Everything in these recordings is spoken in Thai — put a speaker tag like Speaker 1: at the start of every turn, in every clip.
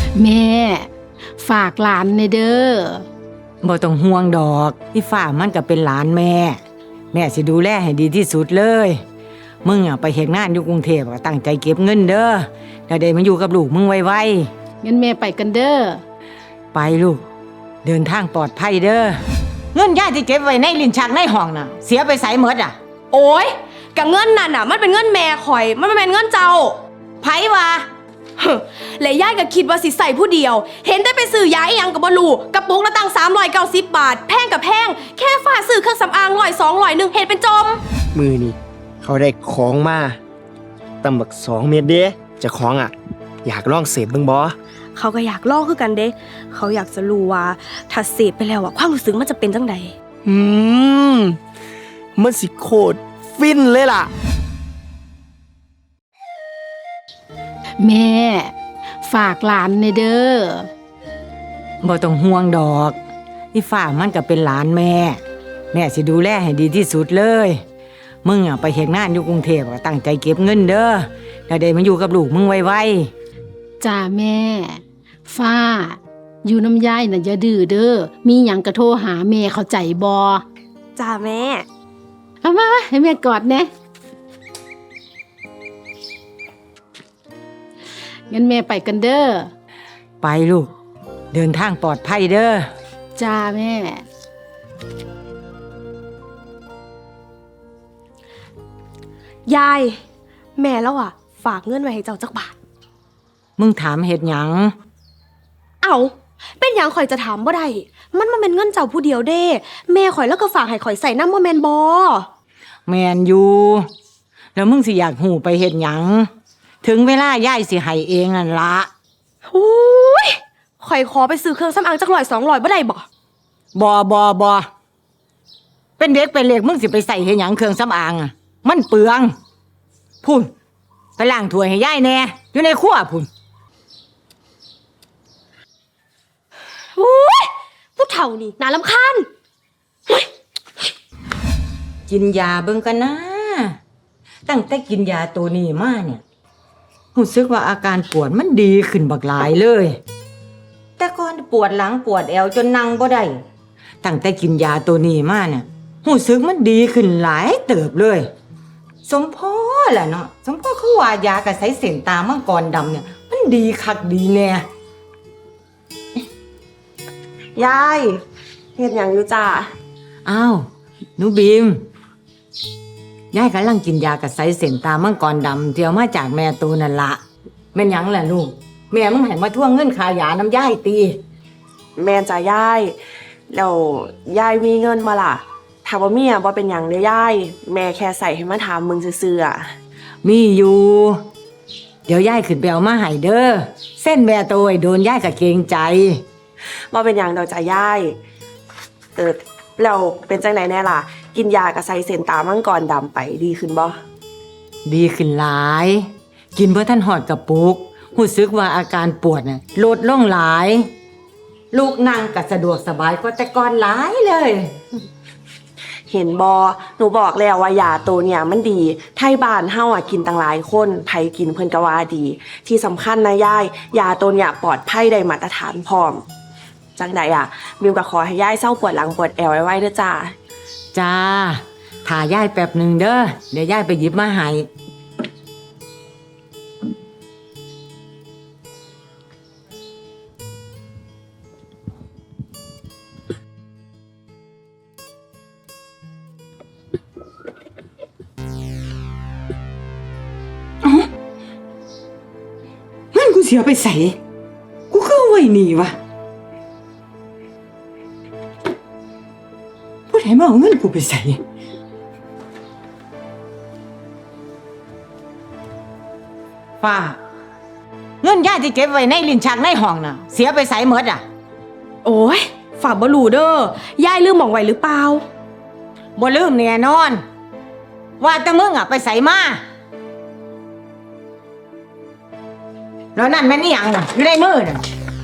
Speaker 1: แม่ฝากหลานในเด้อ
Speaker 2: บ่ต้องห่วงดอกที่ฝ้ามันก็เป็นหลานแม่แม่สิดูแลให้ดีที่สุดเลยมึงไปเฮ็ดงานอยู่กรุงเทพก็ตั้งใจเก็บเงินเด้อแล้วได้มาอยู่กับลูกมึงไว
Speaker 1: งั้นแม่ไปกันเด้อ
Speaker 2: ๆไปลูกเดินทางปลอดภัยเด้อเงินย่าที่เก็บไว้ในลิ้นชักในห้องน่ะเสียไปไสหมดอ่ะ
Speaker 3: โอ้ยกะเงินนั่นน่ะมันเป็นเงินแม่ข่อยมันไม่เป็นเงินเจ้า
Speaker 2: ไผว่า
Speaker 3: และย่ายก็คิดว่าสิใส่ผู้เดียวเห็นได้ไปซื้อยาอีหยังกับบลูกระปุกละตั้ง390 บาทแพงกับแพงแค่ฝ้าซื้อเครื่องสำอาง100-200เห็นเป็นจม
Speaker 4: มือนี่เขาได้ของมาตำบัก2 เม็ดเด้เจะของอยากลองเสพเบิ่งบ่
Speaker 3: เขาก็อยากลองคือกันเด้เขาอยากจะรู้ว่าถ้าเสพไปแล้วความรู้สึกมันจะเป็นจังใด
Speaker 4: มันสิโคตรฟินเลยล่ะ
Speaker 1: แม่ฝากหลานในเด้อ
Speaker 2: บ่ต้องห่วงดอกที่ฝ้ามันก็เป็นหลานแม่สิดูแลให้ดีที่สุดเลยมึงไปเฮ็ดงานอยู่กรุงเทพก็ตั้งใจเก็บเงินเด้อแล้วได้มาอยู่กับลูกมึงไว
Speaker 1: ๆจ้าแม่ฟ้าอยู่น้ำยายน่ะอย่าดื้อเด้อมีหยังก็โทรหาแม่เข้าใจบ่
Speaker 3: จ้าแม่
Speaker 1: เอามาให้แม่กอดแน่งั้นแม่ไปกันเด้อ
Speaker 2: ไปลูกเดินทางปลอดภัยเด้อ
Speaker 1: จ้าแม่
Speaker 3: ยายแม่แล้วฝากเงินไว้ให้เจ้าจักบาท
Speaker 2: มึงถามเฮ็ดหยัง
Speaker 3: เอาเป็นหยังข่อยจะถามบ่ได้มันเป็นเงินเจ้าผู้เดียวเด้แม่ข่อยแล้วก็ฝากให้ข่อยใส่น้ำบ่แม่นบ่
Speaker 2: แม่นอยู่แล้วมึงสิอยากหูไปเฮ็ดหยังถึงเวลายายสิให้เองนั่นละ
Speaker 3: อุ้ยข่อยขอไปซื้อเครื่องสำอางจัก100-200บ่ได้บ่
Speaker 2: เป็นเด็กเป็นเล็กมึงสิไปใส่เฮ็ดหยังเครื่องสำอางมันเปลืองพุ่นไปล้างถ้วยให้ยายแน่อยู่ในครัวพุ่น
Speaker 3: อุ้ยผู้เฒ่านี่น่ารำคาญ
Speaker 2: กินยาเบิ่งกันนะตั้งแต่กินยาตัวนี้มาเนี่ยรู้สึกว่าอาการปวดมันดีขึ้นบักหลายเลยแต่ก่อนปวดหลังปวดแอวจนนั่งบ่ได้ตั้งแต่กินยาตัวนี้มาเนี่ยรู้สึกมันดีขึ้นหลายเติบเลยสมพ่อแหละเนาะสมพ่อเขาว่ายากระใสเส้นตามังกรดำเนี่ยมันดีคักดีแน่
Speaker 3: ยายเฮ็ดหยังอยู่จ้า
Speaker 2: อ้าวหนูบีมยายกำลังกินยากระใสเส้นตามังกรดำที่เอามาจากแม่ตัวนั่นละแม่นหยังล่ะลูกแม่มึงให้มาทวงเงินค่ายาน้ำยายตี
Speaker 5: แม่จ้ายายแล้วยายมีเงินมาล่ะถ้าบ่มีบ่เป็นหยังเด้อยายแม่แค่ใส่ให้มาถามมึงซื่อ
Speaker 2: ๆมีอยู่เดี๋ยวยายขึ้นไปเอามาให้เด้อเส้นแม่ตัวโดนยายก็เกรงใจ
Speaker 5: บ่เป็นหยังดอกจ้ายายแล้วเป็นจังไดแน่ล่ะกินยากระใสเส้นตามังกรดำไปดีขึ้นบ่
Speaker 2: ดีขึ้นหลายกินบ่ทันฮอดกระปุกรู้สึกว่าอาการปวดน่ะลดลงหลายลูกนั่งก็สะดวกสบายกว่าแต่ก่อนหลายเลย
Speaker 5: เห็นบ่หนูบอกแล้วว่ายาตัวเนี่ยมันดีไทบ้านเฮากินตั้งหลายคนไผกินเพิ่นก็ว่าดีที่สำคัญนะยายยาตัวเนี่ยปลอดภัยได้มาตรฐานพร้อมจังใดบิวก็ขอให้ยายเศร้าปวดหลังปวดแอวไว้เด้อจ้า
Speaker 2: จ้าถ่ายายแป๊บหนึ่งเด้อเดี๋ยวยายไปหยิบมาให้งั้นกูเสียไปใส่กูก็เอาไว้นี่วะผู้ใดมาเอาเงินกูไปใส่ฟ้าเงินย่าที่เก็บไว้ในลิ้นชักในห้องน่ะเสียไปใส่หมด
Speaker 3: โอ้ยฝากบ่รู้เด้อยายลืมหม่องไว้หรือเปล่า
Speaker 2: บ่ลืมแน่นอนว่าแต่มึงไปใส่มาแล้วนั่นแม่นอีหยังอยู่ในมือน่ะ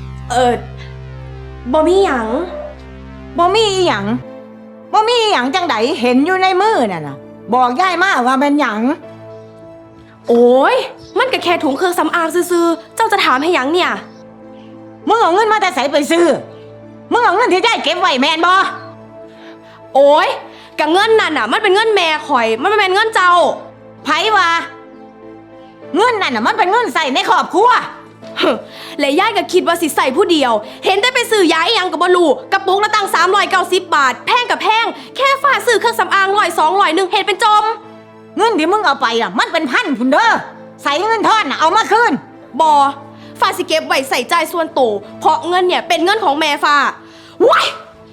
Speaker 3: บ่มีหยัง
Speaker 2: บ่มีอีหยังบ่มีอีหยังจังไดเห็นอยู่ในมือน่ะบอกยายมาว่าเป็นหยัง
Speaker 3: โอ้ยมันก็แค่ถุงเครื่องสำอางซื่อๆเจ้าจะถามให้หยังเนี่ย
Speaker 2: มึงเอาเงินมาแต่ใส่ไปซื้อมึงเอาเงินที่ได้เก็บไว้แมนบ่
Speaker 3: โอ้ยกะเงินนั่นน่ะมันเป็นเงินแม่ข่อยมันไม่เป็นเงินเจ้า
Speaker 2: ไผว่าเงินนั่นน่ะมันเป็นเงินใส่ในครอบครัว
Speaker 3: และยายก็คิดว่าสิใส่ผู้เดียว เห็นได้ไปซื้อยาอีหยังกับบลูกระปุกละตั้ง390 บาทแพงกับแพงแค่ฝากซื้อเครื่องสำอาง100-200เห็นเป็นจม
Speaker 2: เงินที่มึงเอาไปอ่ะมันเป็นพันพุ่นเด้อใส่เงินทอนน่ะเอามาคืน
Speaker 3: บอฝากสิเก็บไว้ใส่ใจายส่วนตัวเพราะเงินเนี่ยเป็นเงินของแม่ฟ้าว้าย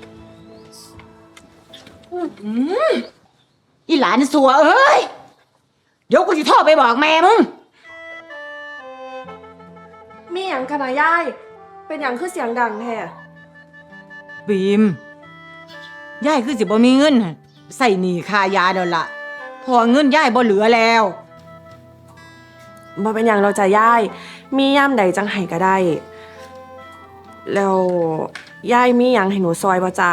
Speaker 2: อีหลานสัวเอ้ยเดี๋ยวกูจะโทรไปบอกแม่มึง
Speaker 5: มีหยังกันนะยายเป็นหยังคือเสียงดังแท้
Speaker 2: บีมยายคือสิบ่มีเงินใส่หนี้ค่ายาเดี๋ยวละพอเงินยายบ่เหลือแล้ว
Speaker 5: บ่เป็นหยังเราจะยายมีย่ำใดจังไห้ก็ได้ แล้วยายมีหยังให้หนูซอยบ่จ้า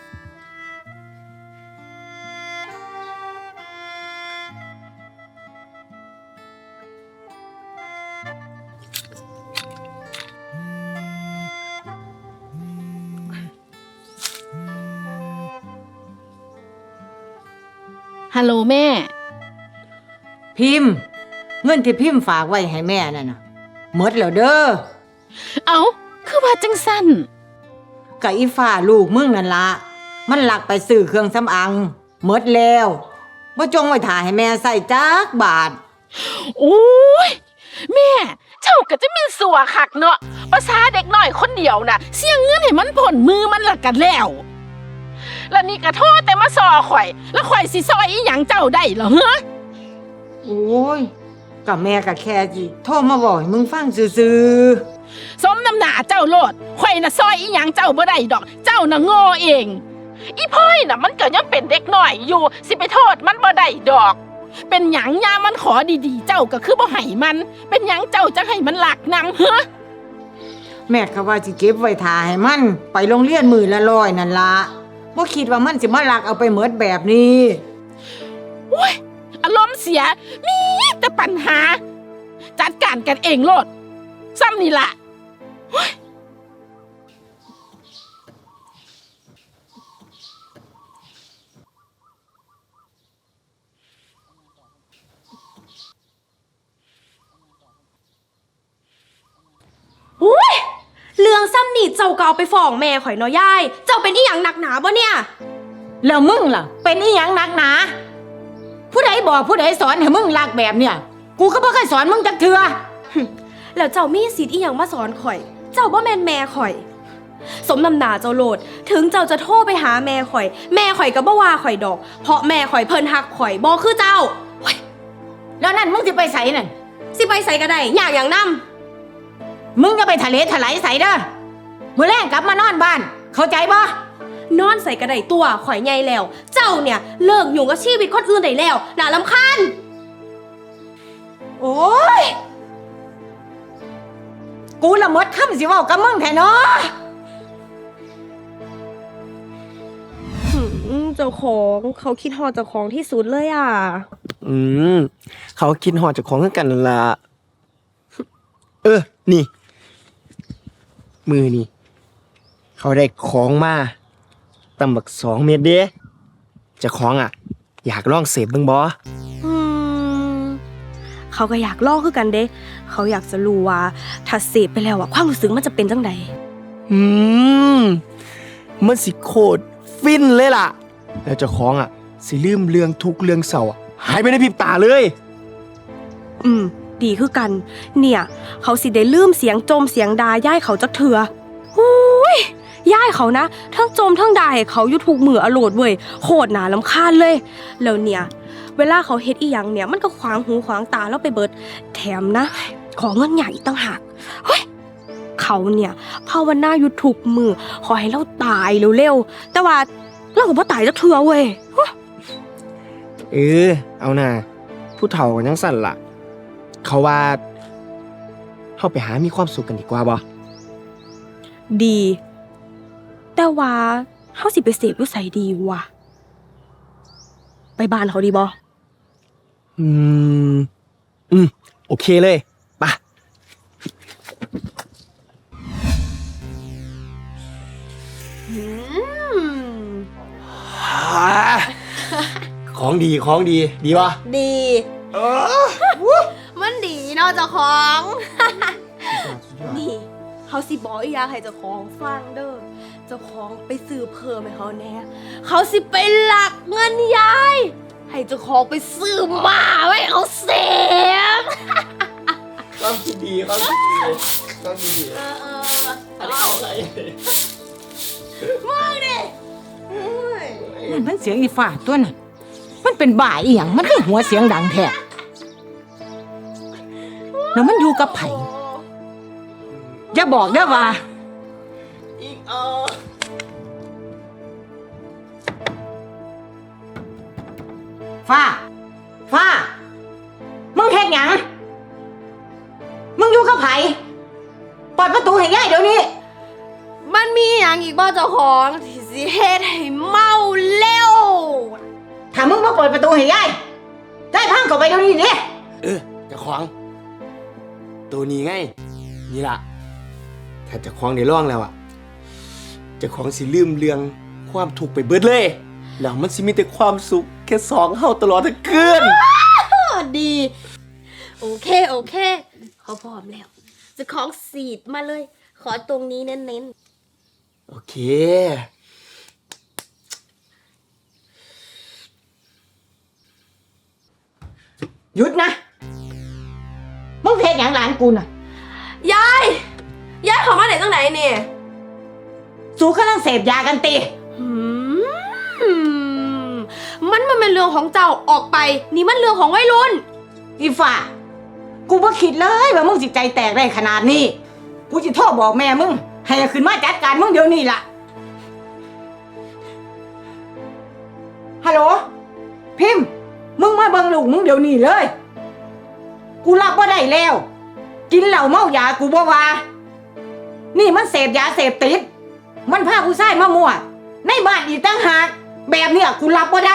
Speaker 1: ฮัลโหลแม่
Speaker 2: พิมพ์เงินที่พิมพ์ฝากไว้ให้แม่นั่นน่ะหมดแล้วเด้อ
Speaker 1: เอาคือว่าจังสั้น
Speaker 2: กับอีฟ้าลูกมึงนั่นละมันหลักไปซื้อเครื่องสำอางหมดแล้วบ่จงไว้ถ่าให้แม่ใส่จักบาท
Speaker 6: โอ้ยแม่เจ้าก็จะมีสัวคักเนาะภาษาเด็กน้อยคนเดียวน่ะเสี่ยงเงินให้มันผลมือมันละกันแล้วแล้วนี่ก็โทษแต่มาซอข่อย แล้วข่อยสิซอยอีหยังเจ้าได้เหรอฮะ
Speaker 2: โอ้ยกับแม่กับแค่จีโทรมาบอกให้มึงฟังซื่อ
Speaker 6: สมน้ำหน้าเจ้าโลดข่อยน่ะซอยอีหยังเจ้าบ่ได้ดอก เจ้าน่ะโง่เองอีพ่อยน่ะมันก็ยังเป็นเด็กน้อยอยู่สิไปโทษมันบ่ได้ดอก เป็นหยังยามมันขอดีๆเจ้าก็คือบ่ให้มัน เป็นหยังเจ้าจะให้มันหลักนำฮะ
Speaker 2: ๆแม่ก็ว่าสิเก็บไว้ถ่าให้มันไปโรงเรียนมื้อละ100นั่นละบ่คิดว่ามันสิมาลักเอาไปหมดแบบนี้
Speaker 6: โอ้ยอารมณ์เสียมีแต่ปัญหา จัดการกันเองโลดซ้ำนี่ล่ะโอ้ย
Speaker 3: อุ้ยเรื่องซ้ำนี่เจ้าก็เอาไปฟ้องแม่ข่อยเนาะยายเจ้าเป็นอีหยังหนักหนาบ่เนี่ย
Speaker 2: แล้วมึงล่ะเป็นอีหยังหนักหนาผู้ใดบอกผู้ใดสอนให้มึงลักแบบเนี่ยกูก็บ่เคยสอนมึงจักเทื่อ
Speaker 3: แล้วเจ้ามีสิทธิ์อีหยังมาสอนข่อย เจ้าบ่แม่นแม่ข่อย สมน้ำหน้าเจ้าโลด ถึงเจ้าจะโทรไปหาแม่ข่อย แม่ข่อยก็บ่ว่าข่อยดอก เพราะแม่ข่อยเพิ่นฮักข่อยบ่คือเจ้าโอ๊ย
Speaker 2: แล้วนั่นมึงสิไปไสนั่น
Speaker 3: สิไปใส่ก็ได้อยากอย่างนำ
Speaker 2: มึงจะไปทะเลถลายใส่เด้อมื้อแรกกลับมานอนบ้าน เข้าใจบ่
Speaker 3: นอนใส่กระไดตัวข่อยใหญ่แล้ว เจ้าเนี่ยเลิกยุ่งกับชีวิตคนอื่นได้แล้วน่ารำคาญ
Speaker 2: โอ้ยกูละหมดคำสิเว้ากับมึงแท้เนาะ
Speaker 3: เจ้าของเขาคิดฮอดเจ้าของที่สุดเลยอ่ะ
Speaker 4: อืมเขาคิดหอดจากของกันนั่นละนี่ มือนี่เขาได้ของมาตำบัก2 เม็ดเด้เจะของอยากลองเสพเบิ่งบ่
Speaker 3: เขาก็อยากลอกคือกันเด้เขาอยากจะรู้ว่าถ้าเสพไปแล้วอะความรู้สึกมันจะเป็นจังใด
Speaker 4: อืมมันสิโคตรฟินเลยล่ะ แล้วเจ้าของสิลืมเรื่องทุกข์เรื่องเศร้าหายไปในพริบตาเลย
Speaker 3: ดีคือกัน เนี่ย เขาสิได้ลืมเสียงโจมเสียงดาย่ายเขาจักเถื่อหูยย่ายเขานะทั้งโจมทั้งดาให้เขาอยู่ทุกมืออโลดเว้ยโคตรหนาลำคาญเลยแล้วเนี่ย เวลาเขาเฮ็ดอีหยังเนี่ยมันก็ขวางหูขวางตาแล้วไปเบิด แถมนะ ขอเงินใหญ่อีกต่างหากเฮ้ยเขาเนี่ยภาวนาอยู่ทุกมือขอให้เราตายเร็วๆแต่ว่าเราก็บ่ตายจักเถื่อเว้ย
Speaker 4: เอาน่ะผู้เฒ่ากันยังสั่นล่ะ เขาว่าเข้าไปหามีความสุขกันดีกว่าบ่
Speaker 3: ดี แต่ว่าเฮาสิไปเสพอยู่ไสดีวะไปบ้านเขาดีบ่
Speaker 4: โอเคเลยไป
Speaker 3: อืม
Speaker 4: ของดีดีปะ
Speaker 3: ดี มันดีเนาะเจ้าของ นี่เขาสิบอกอีกอย่างให้เจ้าของฟังเด้อเจ้าของไปซื้อเพิ่มให้เขาแน่เขาสิไปหลักเงินยายให้เจ้าของไปซื้อมาไว้เขาเสียง
Speaker 4: ความคิดดีอันนี้เอาอะไร
Speaker 2: มันเสียงอีฝ่าตัวน่ะมันเป็นบ่าอีหยังมันคือหัวเสียงดังแท้แล้วมันอยู่กับไผอย่าบอกเด้อว่า
Speaker 4: อีก
Speaker 2: ฟ้ามึงเฮ็ดหยังมึงอยู่กับไผเปิดประตูให้ยายเดี๋ยวนี้
Speaker 3: มันมีอย่างอีกบ้าเจ้าของที่สิเฮ็ดให้เมาเร็ว
Speaker 2: ถ้ามึงมาเปิดประตูให้ยายพังเข้าไปเดี๋ยวนี้ดิ
Speaker 4: จะขวางตัวนี้ไง นี่ล่ะ ถ้าจะขวางในร่องแล้วอ่ะจะขวางสิลืมเรื่องความถูกข์ไปเบิดเลย แล้วมันสิมีแต่ความสุขแค่สองเฮาตลอดทั้งคืน
Speaker 3: ดี โอเคเขาพร้อมแล้วเจะของสีดมาเลย ขอตรงนี้เน้น
Speaker 4: โอเค
Speaker 2: หยุดนะมึงเฮ็ดหยังหลานกูน่ะ
Speaker 3: ๆยายเขามาไหนตั้งไหนเนี่ย
Speaker 2: สู้กำลังเสพยากันติ
Speaker 3: มันเป็นเรื่องของเจ้าออกไป นี่มันเรื่องของวัยรุ่น
Speaker 2: อีฝ่ากูบ่คิดเลยว่ามึงสิใจแตกได้ขนาดนี้ กูสิโทรบอกแม่มึง ให้ขึ้นมาจัดการมึงเดี๋ยวนี้ล่ะ ฮัลโหล พิมพ์ มึงมาเบิ่งลูกมึงเดี๋ยวนี้เลย กูรับบ่ได้แล้ว กินเหล้าเมายากูบ่ว่า นี่มันเสพยาเสพติด มันพาผู้ชายมามั่ว ในบ้านอีกตั้งหาก แบบเนี้ยกูรับบ่ได้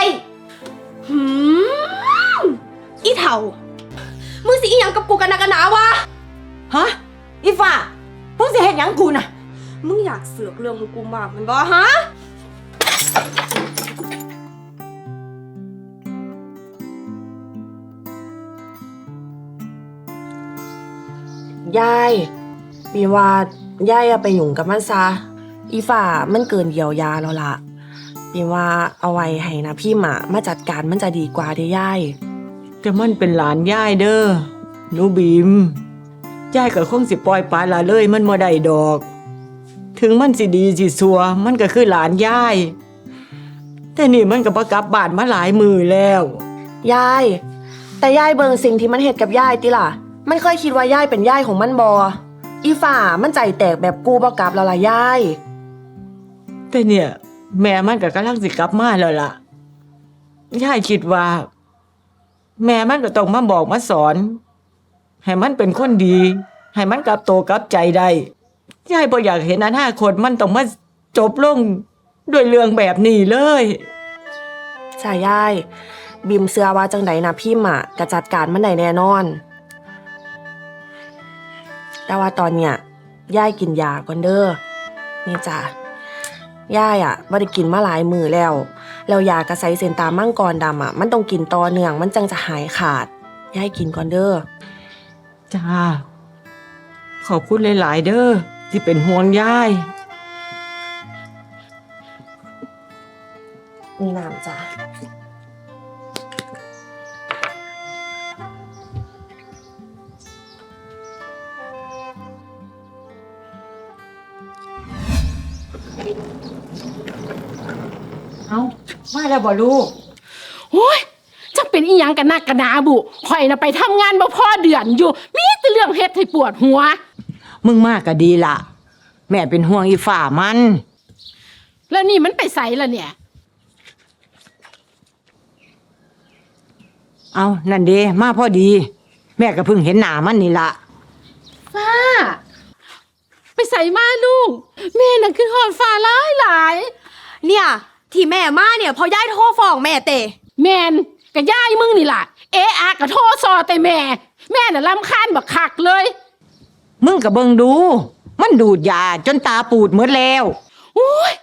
Speaker 3: อีเถ่า มึงสิอีหยังกับกูกันนะกันหนาวะ
Speaker 2: ฮะ อีฝ่ามึงสิเฮ็ดหยังกูน่ะ
Speaker 3: มึงอยากเสือกเรื่องของกูมากมันบ่ฮะ
Speaker 5: ยายปีว่ายายอะไปหยุ่งกับมันซะอีฝ่ามันเกินเยียวยาแล้วล่ะปีว่าเอาไว้ให้นะพี่หมามาจัดการมันจะดีกว่าเด้อยาย
Speaker 2: แต่มันเป็นหลานย่ายเด้อหนูบีมย่ายก็คงสิปล่อยปลาละเลยมันบ่ได้ดอก ถึงมันสิดีสิซัวมันก็คือหลานย่าย แต่นี่มันก็บ่กลับบ้านมาหลายมือแล้ว
Speaker 5: ยายแต่ยายเบิ่งสิ่งที่มันเฮ็ดกับยายติล่ะมันเคยคิดว่ายายเป็นยายของมันบ่อีฝ่ามันใจแตกแบบกูบ่กลับแล้วล่ะยาย
Speaker 2: แต่เนี่ย แม่มันก็กำลังสิกลับมาแล้วล่ะย่ายคิดว่า แม่มันก็ต้องมาบอกมาสอน ให้มันเป็นคนดี ให้มันกลับโตกลับใจได้ย่ายบ่อยากเห็นอนาคตมันต้องมาจบลงด้วยเรื่องแบบนี้เลย
Speaker 5: ใช่ยายบิมเชื่อว่าจังไดนะพี่หมาก็จัดการมันได้แน่นอน แต่ว่าตอนเนี้ยยายกินยาก่อนเด้อนี่จ้ะยายบ่ได้กินมาหลายมื้อแล้วยากระไสเซนตามังกรดำมันต้องกินต่อเนื่องมันจังจะหายขาดยายกินก่อนเด้อ
Speaker 2: จ้า ขอบคุณหลาย ๆ เด้อที่เป็นห่วงย่าย
Speaker 5: นี่น้ำจ้ะ
Speaker 2: เอามาแล้วบ่ลูก
Speaker 6: โอ้ยจักเป็นอีหยังกันนักกันหนาบุข่อยน่ะไปทำงานบ่พอเดือนอยู่ มีแต่เรื่องเฮ็ดให้ปวดหัว
Speaker 2: มึงมากก็ดีล่ะ แม่เป็นห่วงอีฝ่ามัน
Speaker 6: แล้วนี่มันไปไสล่ะเนี่ย
Speaker 2: เอานั่นเด้มาพอดี แม่ก็เพิ่งเห็นหน้ามันนี่ล่ะ
Speaker 6: ฟ้า ไปใส่มาลูก แม่น่ะคือหอดฟ้าหลายหลาย
Speaker 3: เนี่ยที่แม่มาเนี่ยพอยายโทรฟ้องแม่เตะ
Speaker 6: แม่นกับย่ายมึงนี่ล่ะ เอะอะกับโทรซอแต่แม่ แม่น่ะรำคาญบักคักเลย
Speaker 2: มึงก็เบิ่งดู มันดูดยาจนตาปูดหมดแล้ว
Speaker 6: โอ้ย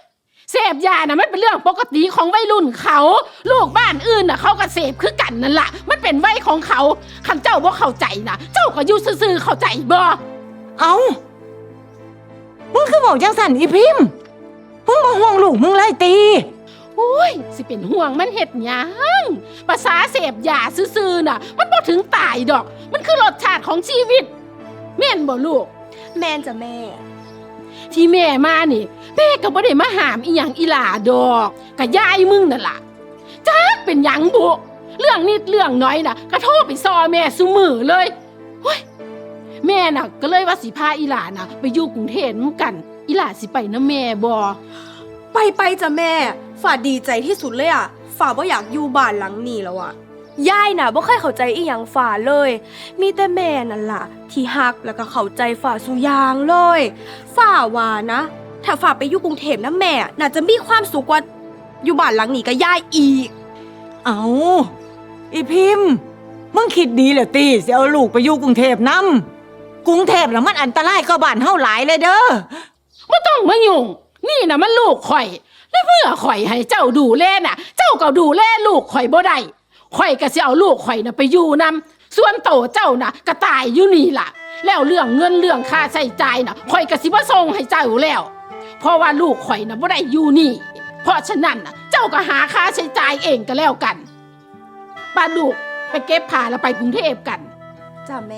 Speaker 1: เสพยาน่ะมันเป็นเรื่องปกติของวัยรุ่นเขาลูกบ้านอื่นน่ะเขาก็เสพคือกันนั่นล่ะมันเป็นวัยของเขาคันเจ้าบ่เข้าใจนะเจ้าก็อยู่ซื่อๆเข้าใจบ่
Speaker 2: เอามึงคือบอกจังสันอีพิมพ์มึงบ่ห่วงลูกมึงเลยตี
Speaker 1: โอ้ยสิเป็นห่วงมันเฮ็ดหยังภาษาเสพยาซื่อๆน่ะมันบ่ถึงตายดอกมันคือรสชาติของชีวิตแม่นบ่ลูก
Speaker 3: แม่นจ้ะแม่
Speaker 1: ที่แม่มานี่แม่ก็บ่ได้มาหามอีหยังอีหลาดอกก็ยายมึงนั่นล่ะจักเป็นหยังบุเรื่องนิดเรื่องน้อยน่ะก็โทรไปซอแม่ซุมื้อเลยโอ้ยแม่น่ะก็เลยว่าสิพาอีหลาน่ะไปอยู่กรุงเทพนำกันอีหลาสิไปนำแม่บ่
Speaker 3: ไปจ้ะแม่ฝ่าดีใจที่สุดเลยอ่ะฝ่าบ่อยากอยู่บ้านหลังนี้แล้วอ่ะยายน่ะบ่เคยเข้าใจอีหยังฝ่าเลย มีแต่แม่นั่นล่ะที่ฮักแล้วก็เข้าใจฝ่าสุอยางเลยฝ่าว่านะถ้าฝ่าไปอยู่กรุงเทพนะแม่น่าจะมีความสุขกว่าอยู่บ้านหลังนี้ก็ยายอีก
Speaker 2: เอาอีพิมพ์มึงคิดดีเหรอตีสิเอาลูกไปอยู่กรุงเทพนำกรุงเทพน่ะมันอันตรายกว่าบ้านเฮาหลายเลยเด้อ
Speaker 1: บ่ต้องมายุ่งนี่น่ะมันลูกข่อยแล้วเมื่อข่อยให้เจ้าดูแลน่ะ เจ้าก็ดูแลลูกข่อยบ่ได้ข่อยก็สิเอาลูกข่อยน่ะไปอยู่นำส่วนโตเจ้าน่ะก็ตายอยู่นี่ล่ะแล้วเรื่องเงินเรื่องค่าใช้จ่ายน่ะข่อยก็สิบ่ส่งให้เจ้าแล้วเพราะว่าลูกข่อยน่ะบ่ได้อยู่นี่เพราะฉะนั้นน่ะเจ้าก็หาค่าใช้จ่ายเองก็แล้วกันป้าลูกไปเก็บผ้าแล้วไปกรุงเทพกัน
Speaker 3: จ้ะแม่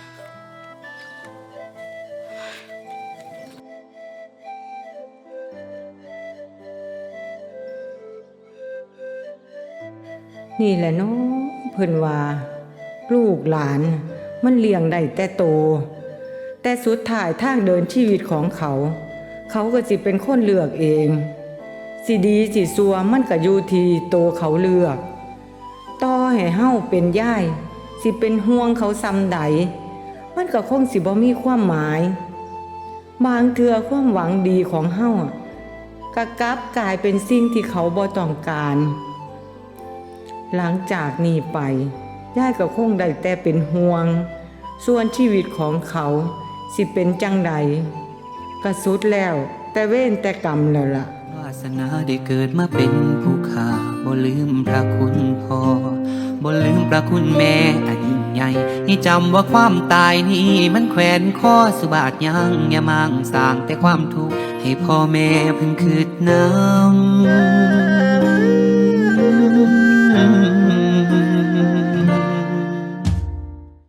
Speaker 2: นี่แหละเนาะเพิ่นว่าลูกหลานมันเลี้ยงได้แต่โตแต่สุดท้ายทางเดินชีวิตของเขา เขาก็สิเป็นคนเลือกเองสิดีสิซัวมันก็อยู่ที่โตเขาเลือกต่อให้เฮาเป็นย่ายสิเป็นห่วงเขาซ้ำใดมันก็คงสิบ่มีความหมายบางเทื่อความหวังดีของเฮาก็กลับกลายเป็นสิ่งที่เขาบ่ต้องการหลังจากนี้ไปย่ายก็คงได้แต่เป็นห่วงส่วนชีวิตของเขาสิเป็นจังใดก็สุดแล้วแต่เว้นแต่กรรมแล้วล่ะ
Speaker 7: วาสนาได้เกิดมาเป็นผู้ข้าบ่ลืมพระคุณพ่อบ่ลืมพระคุณแม่อันยิ่งใหญ่ให้จำว่าความตายนี้มันแขวนคอสุบาทยังอย่ามั่งสร้างแต่ความทุกข์ให้พ่อแม่เพิ่งคืดน้ำ